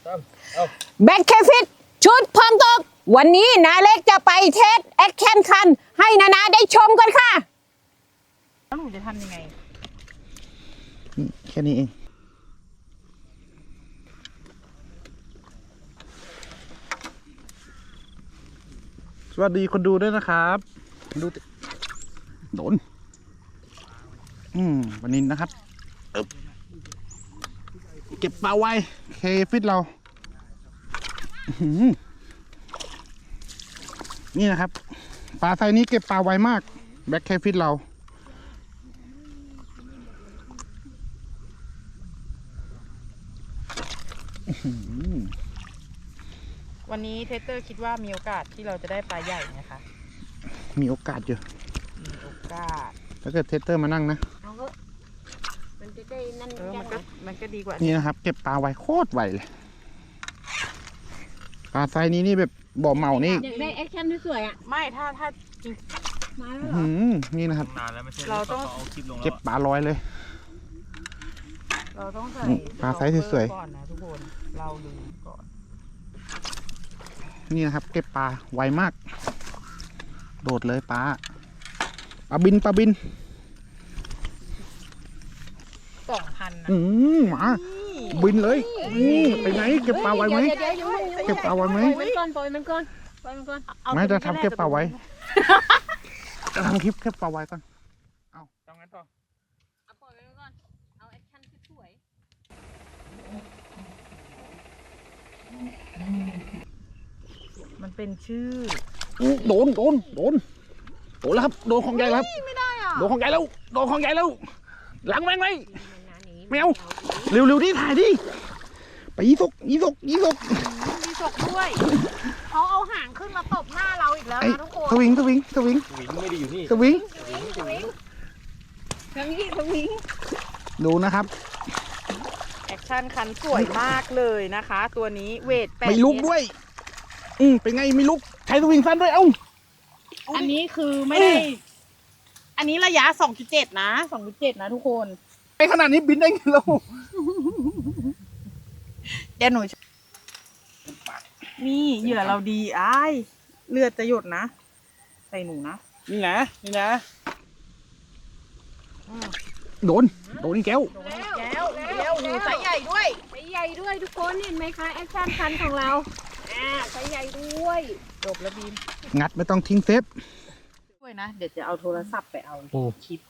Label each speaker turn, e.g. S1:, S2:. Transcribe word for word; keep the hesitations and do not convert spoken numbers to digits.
S1: แบ็คเคฟิตชุดพร้อมตกวันนี้นาเล็กจะไปเทสแอคชั่นคันให้นานาได้ชมกันค่ะ
S2: แล้วหนูจะทำยังไง
S3: แค่นี้เองสวัสดีคนดูด้วยนะครับดูโดนอืมวันนี้นะครับเก็บปลาไว้เคฟิตเรานี่นะครับปลาไซนี้เก็บปลาไวมากแบ็คเคฟิตเรา
S2: วันนี้เทสเตอร์คิดว่ามีโอกาสที่เราจะได้ปลาใหญ่ไหมคะ
S3: มีโอกาสอยู่
S2: มีโอกาส
S3: ถ้าเกิดเทสเตอร์มานั่งนะ
S1: มันจะได้นั่น
S2: เออมันก็มันก็ดีกว่า
S3: นี่นะครับเก็บปลาไวโคตรไวเลยปลาไซนี้นี่แบบบ่อเมานี่
S1: อยากได้แอคชั่นสวยๆอ่ะ
S2: ไม่ถ้าถ้าจริง
S1: มาแล้วเหรอ
S3: นี่นะครับ
S2: เราต้อง
S3: เก็บปลาลอยเลย
S2: เราต้องใส่
S3: ปลาไซส์สวย
S2: ๆก่อนนะทุกคนเราดูก่อน
S3: นี่นะครับเก็บปลาไวมากโดดเลยปลาปลาบินปลาบิน
S2: สองพันนะ
S3: อืมหมาบินเลยอืมไปไหนเก็บปลาไวไหมเก็บปลาไวไหม
S1: มันก่อนปล่อยมันก่อนปล่อยมันก่อน
S3: ไม่จะทำเก็บปลาไวจะทำคลิปเก็บปลาไวก่อนเอาทำงั้นต่อ
S1: เอาปล่อยมันก่อนเอาแอคชั่นสวย
S2: มันเป็นชื่อ
S3: โดนโดนโดนโดนแล้วครับโดนของใหญ่แล้ว
S2: ไม่ได้อ่ะ
S3: โดนของใหญ่แล้วโดนของใหญ่แล้วหลังแมงไหมแมวเร็วเร็วดิถ่ายดิไปยี่สกยี่สกยี่สก
S2: มีศกด้วยเขาเอาหางขึ้นมาตบหน้าเราอีกแล้วนะทุกคน
S3: สวิงสวิงสวิง
S4: สวิงไม่ได้อยู่นี่
S3: สวิง
S1: สวิงทั้งนี้สวิง
S3: ดูนะครับ
S2: แอคชั่นคันสวยมากเลยนะคะ ตัวนี้เวทแปด
S3: ไม่ลุกด้วยอืมเป็นไงไม่ลุกใช้สวิงสั้นด้วยเอ้า
S2: อันนี้คือไม่ได้อันนี้ระยะ สองจุดเจ็ด นะ สองจุดเจ็ด นะทุกคน
S3: ไอขนาดนี้บินได้ไงเรา
S2: เดี๋ยวหนูนี่เหยื่อเราดีอ้ายเลือดจะหยดนะใส่หนูนะ
S3: นี่นะนี่นะโดนโดนแก้ว
S2: แก้วแก้วหนูไซส์ใหญ่ด้วย
S1: ไซส์ใหญ่ด้วยทุกคนเห็นไหมคะแอคชั่นคันของเราอ่าไซส์ใหญ่ด้วย
S2: จบแล้วบีม
S3: งัดไม่ต้องทิ้งเซฟ
S2: ด้วยนะเดี๋ยวจะเอาโทรศัพท์ไปเอาคลิป